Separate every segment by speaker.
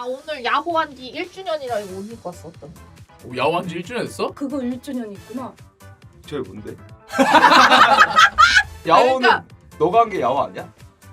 Speaker 1: 오늘 야호한 지 1주년이라 이거 옷 입고 왔어. 어떤?
Speaker 2: 야호한 지 1주년 됐어?
Speaker 3: 그거 1주년 있구나.
Speaker 4: 저게 뭔데? 야호는
Speaker 1: 그러니까.
Speaker 4: 너가 한 게 야호 아니야?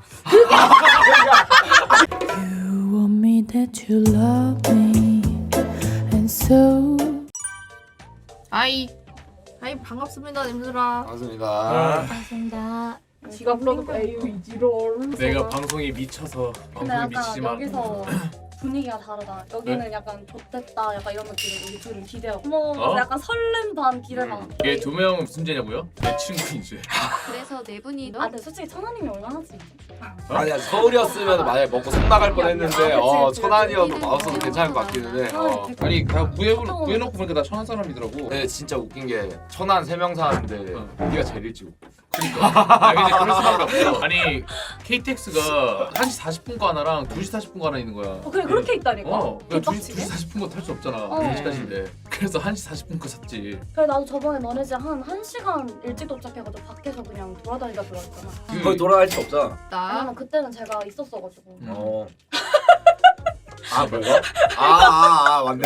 Speaker 5: You want me that you love me and so
Speaker 1: 아이 반갑습니다 님들아.
Speaker 4: 반갑습니다.
Speaker 3: 반갑습니다.
Speaker 1: 지가 불러도 에유 이지롤.
Speaker 2: 내가 방송에 미쳐서
Speaker 3: 근데
Speaker 2: 방송에
Speaker 3: 약간
Speaker 2: 미치지만
Speaker 3: 여기서 분위기가 다르다. 여기는 약간 좋댔다 약간 이런 느낌이고 우리 둘은 기대하고 어머
Speaker 2: 어?
Speaker 3: 약간 설렘 반 기대 반.
Speaker 2: 이게 두 명은 무슨 죄냐고요? 내 친구이지.
Speaker 6: 그래서 네 분이
Speaker 3: 아 근데 솔직히 천하님이 얼마나지?
Speaker 4: 아니야 서울이었으면 만약에 먹고 속 나갈 뻔했는데
Speaker 3: 그치.
Speaker 4: 천안이어도 마우스도 괜찮을 것 같기는 해.
Speaker 2: 아니 그냥 구해놓고 보니까 다 천한 사람이더라고.
Speaker 4: 네 진짜 웃긴 게 천안 3명 사는데 네가 제일 일찍 오고.
Speaker 2: 그러니까. 아니 근데 그럴 수밖에 없어. 아니 KTX가 1시 40분 거 하나랑 2시 40분 거 하나 있는 거야.
Speaker 3: 그래 그렇게 있다니까.
Speaker 2: 그러니까 2시
Speaker 3: 개빡치게?
Speaker 2: 40분 거 탈 수 없잖아.
Speaker 3: 어.
Speaker 2: 2시까지인데. 그래서 1시 40분 거 샀지.
Speaker 3: 그래 나도 저번에 너네 집 한 1시간 일찍 도착해가지고 밖에서 그냥 돌아다니다 들어왔잖아.
Speaker 4: 거기 돌아갈 수 없잖아.
Speaker 3: 왜냐면 그때는 제가 있었어가지고.
Speaker 4: 어. 아 뭐가? 맞네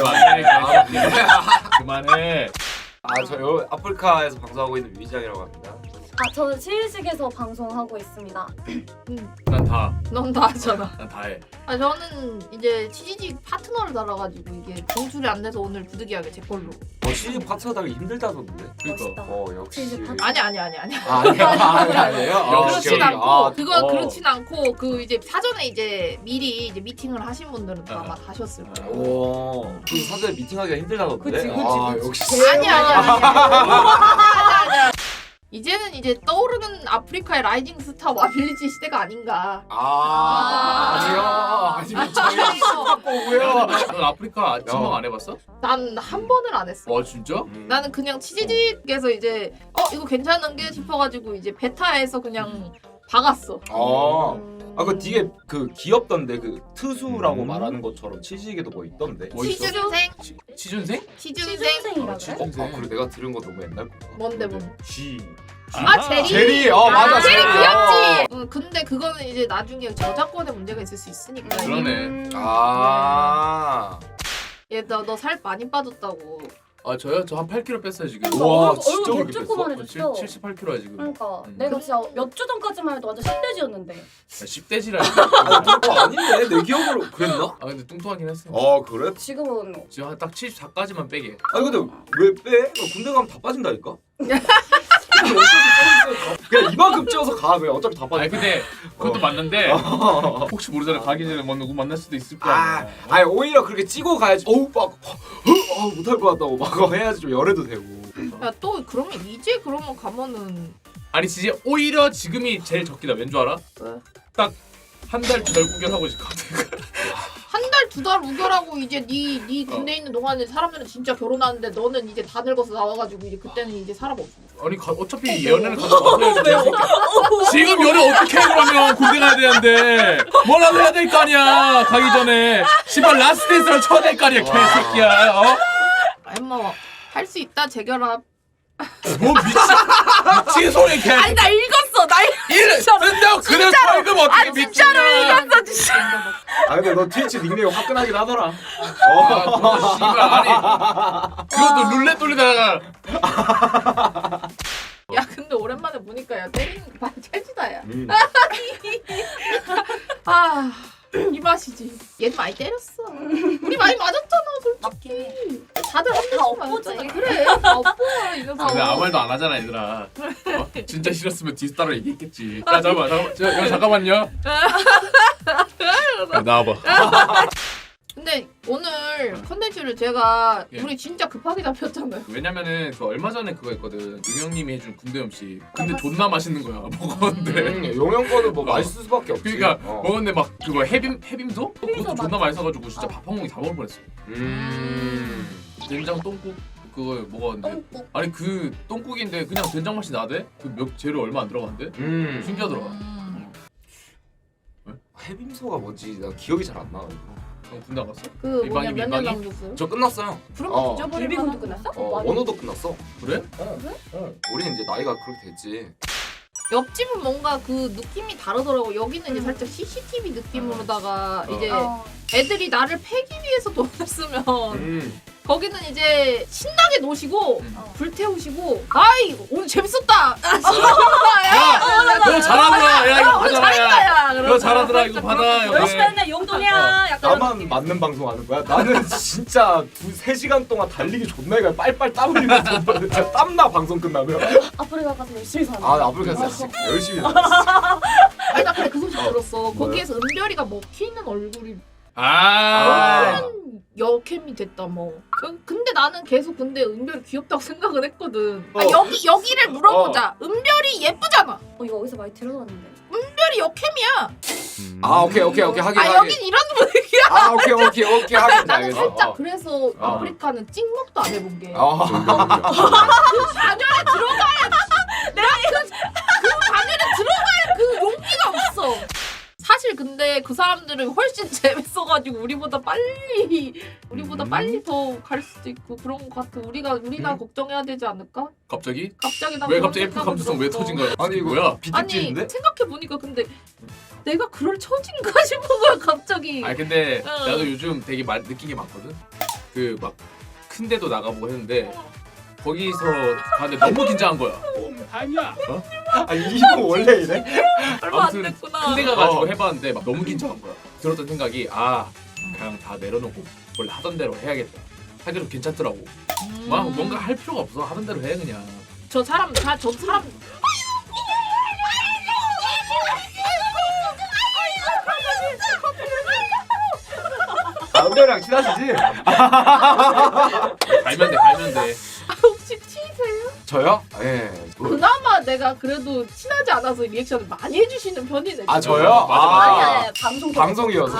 Speaker 2: 그만해.
Speaker 4: 저 아프리카에서 방송하고 있는 위장이라고 합니다.
Speaker 3: 아 저는 치일식에서 방송하고 있습니다.
Speaker 2: 난 다.
Speaker 1: 넌 다 하잖아.
Speaker 2: 난 다 해.
Speaker 1: 아 저는 이제 치지직 파트너를 달아가지고 이게 공출이 안 돼서 오늘 부득이하게 제 걸로.
Speaker 4: 시즌 파트너 달기 힘들다던데.
Speaker 2: 그러니까.
Speaker 3: 멋있다.
Speaker 4: 역시.
Speaker 3: 치즈 파트-
Speaker 1: 아니.
Speaker 4: 아니에요?
Speaker 1: 그렇진
Speaker 2: 오케이.
Speaker 1: 않고 그건
Speaker 4: 어.
Speaker 1: 그렇진 않고 그 이제 사전에 이제 미리 이제 미팅을 하신 분들은 또 아마 하셨을 거예요.
Speaker 4: 오. 그 사전에 미팅하기가 힘들다던데.
Speaker 3: 그치.
Speaker 4: 역시.
Speaker 1: 아니야. 이제는 이제 떠오르는 아프리카의 라이징 스타 와빌리지 시대가 아닌가.
Speaker 4: 아니면 저희 바꾸고요.
Speaker 2: 넌 아프리카 친구 안 해봤어?
Speaker 1: 난 한 번을 안 했어.
Speaker 2: 와 진짜?
Speaker 1: 나는 그냥 치지직에서 이제 이거 괜찮은 게 싶어가지고 이제 베타에서 그냥 박았어.
Speaker 4: 그 뒤에 그 귀엽던데 그 트수라고 말하는 것처럼 치즈에게도 뭐 있던데.
Speaker 2: 뭐 있어?
Speaker 1: 취준생?
Speaker 2: 취준생?
Speaker 1: 취준생?
Speaker 3: 취준생이라 그래?
Speaker 2: 취준생.
Speaker 4: 그래 내가 들은 거 너무 옛날 거.
Speaker 1: 뭔데?
Speaker 4: G.
Speaker 1: 제리.
Speaker 4: 제리. 맞아.
Speaker 1: 제리
Speaker 4: 제리.
Speaker 1: 귀엽지. 근데 그거는 이제 나중에 저작권에 문제가 있을 수 있으니까.
Speaker 2: 그러네.
Speaker 1: 얘너 살 많이 빠졌다고.
Speaker 2: 아 저요? 저 한 8kg 뺐어요 지금.
Speaker 4: 와,
Speaker 3: 얼굴
Speaker 4: 진짜
Speaker 3: 얼굴
Speaker 4: 그렇게
Speaker 3: 개조그만해졌어.
Speaker 2: 78kg야 지금.
Speaker 3: 그러니까 내가 진짜 몇 주 전까지만 해도 완전 10대지였는데.
Speaker 2: 10대지라.
Speaker 4: 아닌데 내 기억으로 그랬나?
Speaker 2: 아 근데 뚱뚱하긴 했어.
Speaker 4: 그래?
Speaker 3: 지금은
Speaker 2: 지금 딱 74까지만 빼게.
Speaker 4: 아니 근데 왜 빼? 군대 가면 다 빠진다니까? 그냥 이만큼 찌어서 가. 그냥 어차피 다
Speaker 2: 아니
Speaker 4: 빠져.
Speaker 2: 근데 그것도 맞는데 혹시 모르잖아. 가기 전에 뭐 누구 만날 수도 있을 거 아니야.
Speaker 4: 아니 오히려 그렇게 찌고 가야지. 못할 것 같다고 막 해야지 좀 열애도 되고.
Speaker 1: 야 또 그러면 이제 그러면 가면은
Speaker 2: 아니 진짜 오히려 지금이 제일 적기다. 왠 줄 알아?
Speaker 1: 왜?
Speaker 2: 딱 한 달 두 달 구경하고 있을 것 같아.
Speaker 1: 한 달 두 달 우결하고 이제 네 군대 있는 동안에 사람들은 진짜 결혼하는데 너는 이제 다 늙어서 나와가지고 이제 그때는 이제 사람 없어.
Speaker 2: 아니 어차피 연애를 가서 와서야지. 지금 연애 어떻게 해 그러면 군대 가야 되는데 뭐라도 해야 될 거 아니야. 가기 전에 씨발 라스트 댄스를 쳐야 될 거 아니야 개새끼야.
Speaker 1: 아니 뭐할 수 있다 재결합.
Speaker 2: 뭐 미친 소리 개.
Speaker 1: 아니 나 읽었어 나
Speaker 2: 쓴다고 그래 벌금 어떻게
Speaker 1: 진짜로 읽었어 진짜.
Speaker 4: 근데 너 트위치 닉네임 화끈하긴 하더라.
Speaker 2: 아, 씨발 아니 그것도 룰렛 돌리다가
Speaker 1: 야 근데 오랜만에 보니까 야 때리는 거 많이 찰지다 야. 이 맛이지. 얘도 많이 때렸어. 우리 많이 맞았잖아 솔직히. 다들 한 대씩
Speaker 3: 엎보지.
Speaker 1: 맞았잖아. 그래 다 엎어 이 녀석.
Speaker 2: 근데 아무 말도 안 하잖아 얘들아. 진짜 싫었으면 뒤에서 따로 얘기했겠지. 야 잠깐만요. 야, 나와봐.
Speaker 1: 근데 오늘 컨텐츠를 제가
Speaker 2: 예.
Speaker 1: 우리 진짜 급하게 잡혔잖아요.
Speaker 2: 왜냐면은 그 얼마 전에 그거 했거든. 유형님이 해준 군대 음식. 근데 존나 맛있는 거야. 먹었는데.
Speaker 4: 용영 거는 뭐 맛있을 수밖에 없지.
Speaker 2: 그러니까 먹었는데 막 그거 해빔소? 그것도 존나
Speaker 3: 맞아.
Speaker 2: 맛있어가지고 진짜 밥 한 공기 다 먹을 뻔했어. 된장 똥국 그거 먹었는데.
Speaker 3: 똥국.
Speaker 2: 아니 그 똥국인데 그냥 된장 맛이 나대? 그 재료 얼마 안 들어간대? 신기하더라.
Speaker 4: 해빔소가 뭐지? 나 기억이 잘 안 나.
Speaker 2: 형 군대 안 갔어?
Speaker 1: 그 뭐냐
Speaker 2: 민방위,
Speaker 1: 몇년
Speaker 2: 민방위?
Speaker 1: 남겼어요?
Speaker 4: 저 끝났어요.
Speaker 1: 그럼 잊어버릴
Speaker 3: 예비군도
Speaker 1: 만한
Speaker 3: 끝났어?
Speaker 4: 원호도 끝났어.
Speaker 2: 그래?
Speaker 4: 우리는 이제 나이가 그렇게 됐지.
Speaker 1: 옆집은 뭔가 그 느낌이 다르더라고. 여기는 이제 살짝 CCTV 느낌으로다가 이제 애들이 나를 패기 위해서 돈을 쓰면 거기는 이제 신나게 노시고 불태우시고 아이 오늘 재밌었다.
Speaker 2: 너 잘하더라. 야 이거
Speaker 1: 오늘
Speaker 2: 받아라.
Speaker 1: 잘했다 야.
Speaker 2: 너 잘하더라. 이거 받아.
Speaker 3: 열심히 했네 용돈이야. 약간 이런
Speaker 4: 나만
Speaker 3: 느낌.
Speaker 4: 맞는 방송 하는 거야? 나는 진짜 3시간 동안 달리기 존나 해가 빨빨 땀 흘리면서 진짜 땀나 방송 끝나면.
Speaker 3: 아프리카 가서 열심히 사는.
Speaker 4: 아 아프리카 진짜 열심히 해.
Speaker 1: 아니 나 근데 그 소식 들었어. 거기에서 은별이가 먹히는 얼굴이
Speaker 2: 아.
Speaker 1: 여캠이 됐다 뭐. 근데 나는 계속 근데 은별이 귀엽다고 생각을 했거든. 아,
Speaker 4: 어.
Speaker 1: 여기를 물어보자. 은별이 예쁘잖아.
Speaker 3: 이거 어디서 많이 들어봤는데.
Speaker 1: 은별이 여캠이야.
Speaker 4: 아 오케이 하긴
Speaker 1: 아
Speaker 4: 하긴.
Speaker 1: 여긴 이런 분위기야.
Speaker 4: 아 오케이 하긴.
Speaker 1: 나는
Speaker 4: 알겠어.
Speaker 1: 살짝 그래서 아프리카는 찍먹도 안 해본 게. 그 반열에 들어가야 내가 그 반열에 들어갈 그 용기가 없어. 사실 근데 그 사람들은 훨씬 재밌어가지고 우리보다 빨리 더 갈 수도 있고 그런 것 같아. 우리나 걱정해야 되지 않을까?
Speaker 2: 갑자기?
Speaker 1: 갑자기 나
Speaker 2: 왜
Speaker 1: 그런
Speaker 2: 갑자기 F
Speaker 1: 생각을
Speaker 2: 감수성 왜
Speaker 1: 들었어.
Speaker 2: 터진 거야?
Speaker 4: 아니 이거
Speaker 2: 뭐야?
Speaker 1: 아니
Speaker 4: 비트집인데?
Speaker 1: 생각해 보니까 근데 내가 그럴 처진가 싶은 거야 갑자기.
Speaker 2: 아니 근데
Speaker 1: 응.
Speaker 2: 나도 요즘 되게 느낀 게 많거든. 그 막 큰 데도 나가보고 했는데 거기서 가는데 너무 긴장한 거야. 아니야. 어?
Speaker 4: 아니 이거 원래 이래?
Speaker 1: 얼마 안
Speaker 2: 아무튼
Speaker 1: 됐구나.
Speaker 2: 큰 데 가가지고 해봤는데 막 너무 긴장한 거야. 들었던 생각이 그냥 다 내려놓고 원래 하던 대로 해야겠다. 하기로 괜찮더라고. 막 뭔가 할 필요가 없어. 하던 대로 해 그냥.
Speaker 1: 저 사람
Speaker 4: 은별이랑 친하시지?
Speaker 2: 갈면 돼.
Speaker 1: 혹시 T세요?
Speaker 4: 저요? 예.
Speaker 1: 그나마 내가 그래도 친하지 않아서 리액션을 많이 해주시는 편이네.
Speaker 4: 아
Speaker 1: 진짜.
Speaker 4: 저요?
Speaker 2: 맞아.
Speaker 3: 아니 방송
Speaker 4: 방송이어서.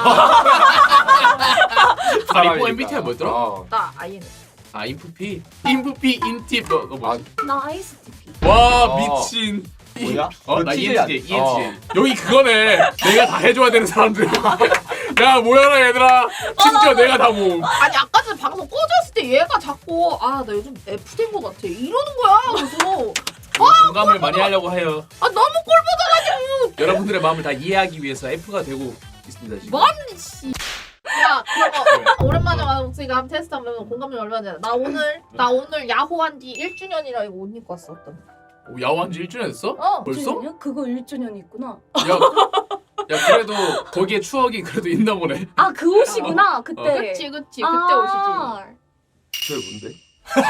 Speaker 2: 아이고 MBTI 뭐였더라?
Speaker 1: 나 IN.
Speaker 2: 인프피 인팁 너 뭐야?
Speaker 3: 나 ISTP.
Speaker 2: 와
Speaker 4: 어.
Speaker 2: 미친.
Speaker 4: 뭐야?
Speaker 2: 나
Speaker 4: TJ
Speaker 2: ENTJ.
Speaker 4: 어.
Speaker 2: 여기 그거네. 내가 다 해줘야 되는 사람들. 야 모여라 얘들아. 심지어 내가 다 모음.
Speaker 1: 아니 아까 전에 방송 꺼졌을 때 얘가 자꾸 나 요즘 F 된 거 같아 이러는 거야. 그래서
Speaker 2: 공감을 많이 하려고 해요.
Speaker 1: 너무 꼴보다가지고
Speaker 2: 여러분들의 마음을 다 이해하기 위해서 F가 되고 있습니다 지금.
Speaker 1: 뭔 씨. 야 그거 오랜만에 왔으니까 한번 테스트 한번 해보면 공감이 얼마나 되나. 나 오늘 야호 한지 1주년이라 이거 옷 입고 왔었던.
Speaker 2: 오, 야호한 지 1주년 됐어? 벌써?
Speaker 3: 1주년이야? 그거 1주년 있구나.
Speaker 2: 야 그래도 거기에 추억이 그래도 있나 보네.
Speaker 3: 아 그 옷이구나 그때.
Speaker 1: 그치 그때 옷이지.
Speaker 4: 저게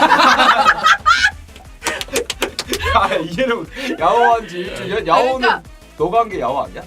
Speaker 4: 뭔데? 아 이해를 야호한 지 1주년? 야호는
Speaker 1: 그러니까
Speaker 4: 너가 한 게 야호 아니야?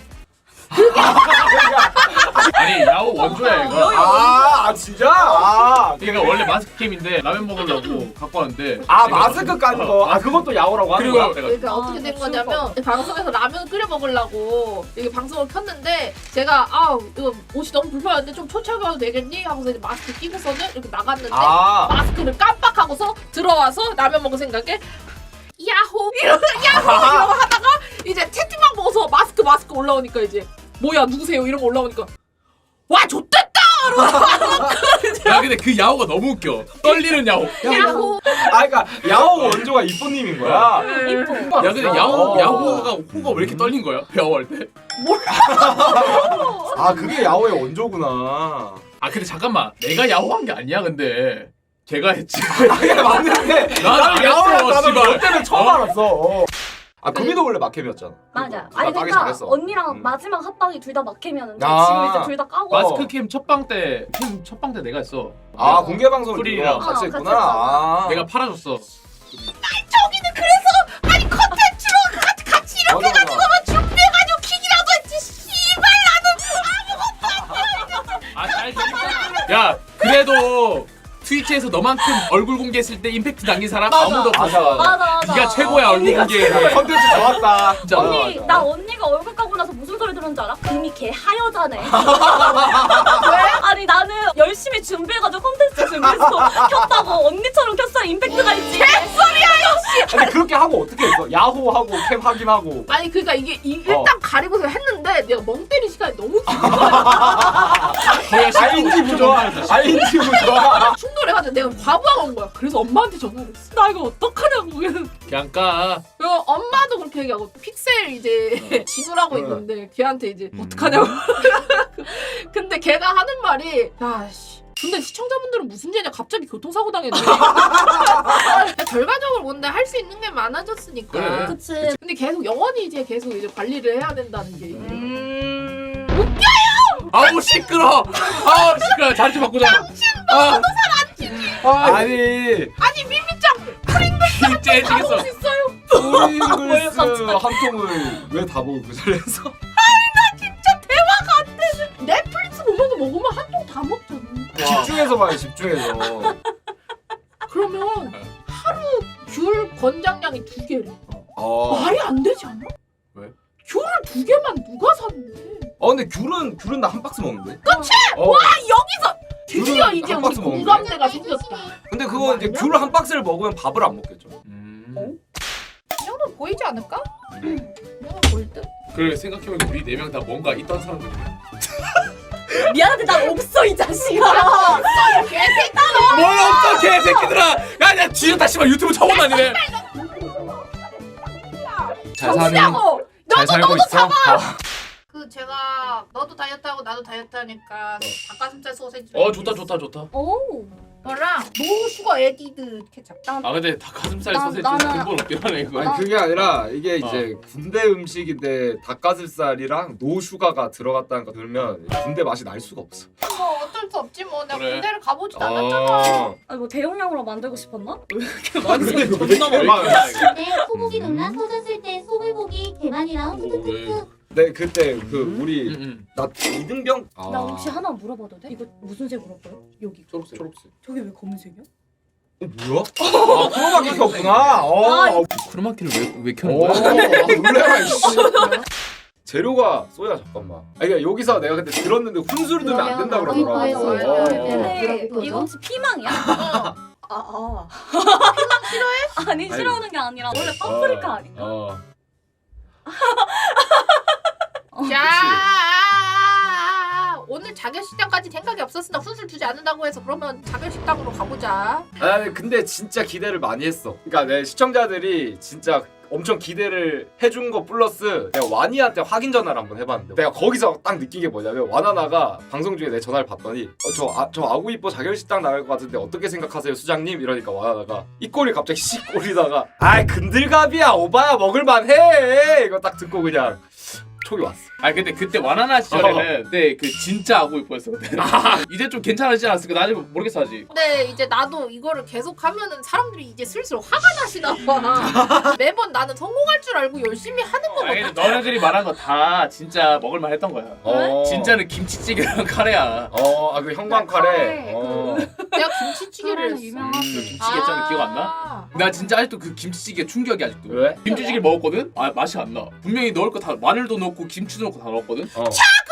Speaker 2: 아니 야호 원조야 이거.
Speaker 4: 아 진짜?
Speaker 2: 그러니까 원래 마스크 캠인데 라면 먹으려고 갖고 왔는데.
Speaker 4: 마스크 깐 거. 그것도 야호라고 하는
Speaker 2: 그리고
Speaker 4: 거야?
Speaker 2: 내가
Speaker 1: 그러니까 어떻게 된 거냐면 방송에서 라면 끓여 먹으려고 이게 방송을 켰는데 제가 이거 옷이 너무 불편한데 좀 초췌하게 해도 되겠니? 하고서 이제 마스크 끼고서는 이렇게 나갔는데 마스크를 깜빡하고서 들어와서 라면 먹을 생각에 야호 이러고 하다가 이제 채팅방 보고서 마스크 올라오니까 이제 뭐야 누구세요 이런 거 올라오니까 와 좆됐다.
Speaker 2: 야 근데 그 야호가 너무 웃겨. 떨리는 야호.
Speaker 1: 야호.
Speaker 4: 그러니까 야호 원조가 이쁜님인 거야.
Speaker 3: 이뻐.
Speaker 2: 야 근데 야호가 호가 왜 이렇게 떨린 거야? 야호할 때?
Speaker 4: 그게 야호의 원조구나.
Speaker 2: 근데 잠깐만 내가 야호한 게 아니야 근데 걔가 했지.
Speaker 4: 맞는데
Speaker 2: 나는 안
Speaker 4: 야호라고
Speaker 2: 했어,
Speaker 4: 나는
Speaker 2: 씨발.
Speaker 4: 그때는 처음 알았어. 구미도 원래 막캠이었잖아.
Speaker 3: 맞아.
Speaker 4: 나
Speaker 3: 아니
Speaker 4: 까기
Speaker 3: 그러니까
Speaker 4: 잘했어.
Speaker 3: 언니랑 마지막 합방이 둘 다 막캠이었는데
Speaker 4: 아.
Speaker 3: 지금 이제 둘 다 까고.
Speaker 2: 마스크 캠 첫방 때 내가 했어.
Speaker 4: 공개 방송을
Speaker 2: 프리랑
Speaker 4: 같이
Speaker 3: 같이
Speaker 4: 했구나.
Speaker 3: 했잖아.
Speaker 2: 내가 팔아줬어.
Speaker 1: 저기는 그래서 아니 컨텐츠로 같이 이렇게 해가지고 준비해가지고 킥이라도 했지. 씨발
Speaker 2: 야 그래도 트위치에서 너만큼 얼굴 공개했을 때 임팩트 남긴 사람 아무도 없었어.
Speaker 3: 맞아.
Speaker 2: 네가 최고야 얼굴 공개.
Speaker 4: 컨텐츠 좋았다.
Speaker 2: 진짜.
Speaker 3: 언니 나 언니가 얼굴 까고 나서 무슨 소리 들었는지 알아? 금이 개 하여자네. 왜? 아니 나는 열심히 준비해가지고 콘텐츠 준비해서 켰다고 언니처럼 켰어야 임팩트가 있지. 개소리야 역시.
Speaker 4: 근데 그렇게 하고 어떻게 했어? 야호하고 캠 확인하고.
Speaker 1: 아니 그러니까 이게 일단 가리고서 했는데 내가 멍 때릴 시간이 너무 길어.
Speaker 4: ING 부좋아. ING 부좋아.
Speaker 1: 충돌해가지고 내가 과부하가 온 거야. 그래서 엄마한테 전화를 했어. 나 이거 어떡하냐고.
Speaker 2: 그냥 까.
Speaker 1: 그리고 엄마도 그렇게 얘기하고 픽셀 이제 진우라고 있는데 걔한테 이제 어떡하냐고. 근데 걔가 하는 말이 야씨. 근데 시청자분들은 무슨 죄냐 갑자기 교통사고 당했네. 결과적으로 뭔데 할 수 있는 게 많아졌으니까.
Speaker 2: 그래.
Speaker 3: 그치.
Speaker 1: 근데 계속 영원히 이제 계속 이제 관리를 해야 된다는 게.
Speaker 2: 아우 시끄러. 아우 시끄러. 자리 좀 바꾸자. 당신도
Speaker 4: 아니
Speaker 1: 아니 미미짱
Speaker 2: 진짜
Speaker 1: 다 먹을
Speaker 2: 해지겠어.
Speaker 1: 수 있어요.
Speaker 4: 프링글스 한 통을 왜 다 먹어 그 자리에서?
Speaker 1: 진짜 대화가 안 되는. 넷플릭스 보면서 먹으면 한 통 다 먹잖아.
Speaker 4: 집중해서 봐요 집중해서.
Speaker 1: 그러면 하루 귤 권장량이 2개래.
Speaker 4: 어.
Speaker 1: 말이 안 되지 않아?
Speaker 2: 왜?
Speaker 1: 귤을 2개만 누가 샀는데?
Speaker 4: 근데 귤은 나 한 박스 먹는데.
Speaker 1: 그치?
Speaker 4: 어.
Speaker 1: 와 여기서 드디어
Speaker 4: 귤은
Speaker 1: 이제
Speaker 4: 한
Speaker 1: 우리
Speaker 4: 박스 먹는데?
Speaker 1: 공감대가 생겼다.
Speaker 4: 근데 그거 이제 귤 한 박스를 먹으면 밥을 안 먹겠죠.
Speaker 1: 이 정도 보이지 않을까? 이거 보일 듯?
Speaker 2: 그래 생각해보면 우리 4명 다 뭔가 있던 사람들이야.
Speaker 3: 미안한데 나 없어 이 자식아.
Speaker 1: 개새끼.
Speaker 2: 뭘 없어 개새끼들아. 야야 뒤졌다 씨발 유튜브 처음 다니네. 잘 사는.
Speaker 1: 정수냐고.
Speaker 4: 잘 살고 있어.
Speaker 1: 그 제가 너도 다이어트하고 나도 다이어트하니까 닭가슴살 소세지.
Speaker 2: 좋다.
Speaker 3: 오.
Speaker 1: 너랑 노 슈거 에디드 케찹.
Speaker 2: 아 근데 닭가슴살
Speaker 3: 나-
Speaker 2: 소세지
Speaker 3: 나는-
Speaker 2: 근본 없긴 하네 이거.
Speaker 4: 아니 그게 아니라 이게 이제 군대 음식인데 닭가슴살이랑 노슈가가 들어갔다는 거 들으면 군대 맛이 날 수가 없어.
Speaker 1: 뭐 어쩔 수 없지 뭐. 내가
Speaker 2: 그래.
Speaker 1: 군대를 가보지도 않았잖아.
Speaker 3: 아니 뭐 대용량으로 만들고 싶었나?
Speaker 6: 네, 소고기 논란 터졌을 때 소불고기 개만이랑 후두쿠쿠.
Speaker 4: 네 그때 그 우리
Speaker 2: 응.
Speaker 4: 나 이등병.
Speaker 3: 나 혹시 하나 물어봐도 돼? 이거 무슨 색으로 보여? 여기.
Speaker 2: 초록색.
Speaker 3: 저게 왜 검은색이야?
Speaker 4: 뭐야? 아 크로마키 켰구나.
Speaker 2: 크로마키를 왜 켜는
Speaker 4: 오,
Speaker 2: 거야?
Speaker 4: 놀래라 이씨. 재료가 쏘야 잠깐만. 아니 그러니까 여기서 내가 그때 들었는데 훈수를 두면 안 된다 그러더라고.
Speaker 3: 근데
Speaker 6: 그러죠.
Speaker 3: 이거 혹시 피망이야? 아.
Speaker 1: 싫어해?
Speaker 3: 아니 싫어하는 게 아니라 원래 파프리카 아닌가?
Speaker 1: 자, 오늘 자결식당까지 생각이 없었으나 훈술 주지 않는다고 해서 그러면 자결식당으로 가보자.
Speaker 4: 아니 근데 진짜 기대를 많이 했어. 그러니까 내 시청자들이 진짜 엄청 기대를 해준 거 플러스 내가 와니한테 확인 전화를 한번 해봤는데 내가 거기서 딱 느낀 게 뭐냐면 와나나가 방송 중에 내 전화를 받더니 저 아구이뽀 자결식당 나갈 것 같은데 어떻게 생각하세요 수장님? 이러니까 와나나가 이 꼴이 갑자기 씨 꼴이다가 아이 근들갑이야 오바야 먹을만해 이거 딱 듣고 그냥 촉이 왔어.
Speaker 2: 아니 근데 그때 와나나 시절에는 그때 그 진짜 아구 이뻐였어 그때. 이제 좀 괜찮아지지 않았을까? 나 아직 모르겠어 아직.
Speaker 1: 근데 이제 나도 이거를 계속 하면은 사람들이 이제 슬슬 화가 나시나 봐. 매번 나는 성공할 줄 알고 열심히 하는
Speaker 2: 아니
Speaker 1: 거거든.
Speaker 2: 근데 너네들이 말한 거 다 진짜 먹을만 했던 거야. 진짜는 김치찌개랑 카레야.
Speaker 4: 그 형광 카레.
Speaker 1: 내가 김치찌개를 했어.
Speaker 3: 유명하지.
Speaker 2: 김치찌개 했잖아 기억 안 나? 나 진짜 아직도 그 김치찌개 충격이 아직도.
Speaker 4: 왜?
Speaker 2: 김치찌개 먹었거든? 아 맛이 안 나. 분명히 넣을 거 다 마늘도 넣고 김치도 넣고 다 넣었거든?